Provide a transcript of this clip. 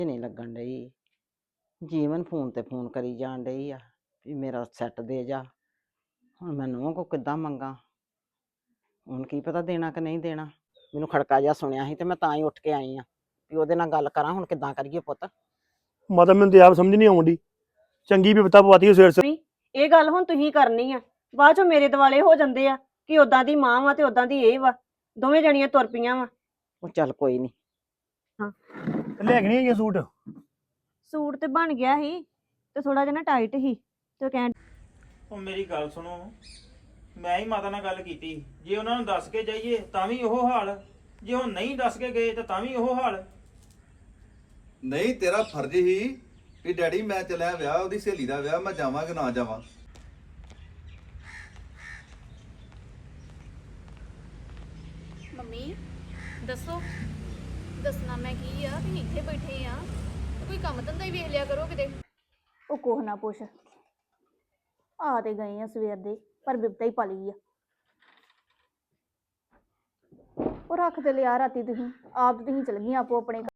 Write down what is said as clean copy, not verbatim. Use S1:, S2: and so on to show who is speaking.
S1: ਨਹੀਂ ਲੱਗਣ ਡਈ। ਜੀਵਨ ਫੋਨ ਤੇ ਫੋਨ ਕਰੀ ਜਾਣ ਡਈ ਆ ਵੀ ਮੇਰਾ ਸੈੱਟ ਦੇ ਜਾ। ਹੁਣ ਮੈਂ ਨੂੰਹ ਕੋ ਕਿੱਦਾਂ ਮੰਗਾ? ਹੁਣ ਕੀ ਪਤਾ ਦੇਣਾ ਕਿ ਨਹੀਂ ਦੇਣਾ। ਮੈਨੂੰ ਖੜਕਾ ਜਿਹਾ ਸੁਣਿਆ ਸੀ ਤੇ ਮੈਂ ਤਾਂ ਹੀ ਉੱਠ ਕੇ ਆਈ ਆ ਵੀ ਉਹਦੇ ਨਾਲ ਗੱਲ ਕਰਾਂ। ਹੁਣ ਕਿੱਦਾਂ ਕਰੀਏ ਪੁੱਤ?
S2: ਮਾਤਾ ਮੈਨੂੰ ਤੇ ਆਪ ਸਮਝ ਨਹੀਂ ਆਉਂਦੀ। ਚੰਗੀ ਵੀ ਪਤਾ ਪਵਾਤੀ ਸਵੇਰ ਸਵੇਰ।
S3: ਇਹ ਗੱਲ ਹੁਣ ਤੁਸੀਂ ਕਰਨੀ ਆ। ਬਾਅਦ ਚੋਂ ਮੇਰੇ ਦਿਵਾਲੇ ਹੋ ਜਾਂਦੇ ਆ ਕਿ ਉਦਾਂ ਦੀ ਮਾਂ ਵਾ ਤੇ ਉਦਾਂ ਦੀ ਇਹ ਵਾ। ਦੋਵੇਂ ਜਣੀਆਂ ਤੁਰ ਪਈਆਂ ਵਾ।
S1: ਉਹ ਚੱਲ ਕੋਈ ਨਹੀਂ।
S2: ਲੈ ਕੇ ਨਹੀਂ ਆਈਆਂ ਸੂਟ?
S3: ਸੂਟ ਤੇ ਬਣ ਗਿਆ ਸੀ ਤੇ ਥੋੜਾ ਜਿਹਾ ਨਾ ਟਾਈਟ ਸੀ ਤੇ ਕਹਿਣ
S4: ਉਹ ਮੇਰੀ ਗੱਲ ਸੁਣੋ, ਮੈਂ ਹੀ ਮਾਤਾ ਨਾਲ ਗੱਲ ਕੀਤੀ। ਜੇ ਉਹਨਾਂ ਨੂੰ ਦੱਸ ਕੇ ਜਾਈਏ ਤਾਂ ਵੀ ਉਹ ਹਾਲ, ਜੇ ਉਹ ਨਹੀਂ ਦੱਸ ਕੇ ਗਏ ਤਾਂ ਵੀ ਉਹ ਹਾਲ।
S5: ਨਹੀਂ ਤੇਰਾ ਫਰਜ਼ ਹੀ ਵੀ ਡੈਡੀ ਮੈਂ ਚੱਲਿਆ ਵਿਆਹ, ਉਹਦੀ ਸਹੇਲੀ ਦਾ ਵਿਆਹ, ਮੈਂ ਜਾਵਾਂ ਕਿ ਨਾ ਜਾਵਾਂ।
S6: ਮੰਮੀ ਦੱਸੋ। ਦੱਸਣਾ ਮੈਂ ਕੀ ਆ, ਤੁਸੀਂ ਇੱਥੇ ਬੈਠੇ ਆ ਤੇ ਕੋਈ ਕੰਮ ਧੰਦਾ ਹੀ ਵੇਖ ਲਿਆ ਕਰੋ ਕਿਤੇ।
S3: ਉਹ ਕੋਹ ਨਾ ਪੁੱਛ। ਆ ਤੇ ਗਏ ਆ ਸਵੇਰ ਦੇ ਪਰ ਬਿਪਤਾ ਹੀ ਪਲੀ ਆ। ਉਹ ਰੱਖ ਤੇ ਲਿਆ ਰਾਤੀ ਤੁਸੀਂ ਆਪ ਤੁਸੀਂ ਚਲ ਗਈਆਂ ਆਪੋ ਆਪਣੇ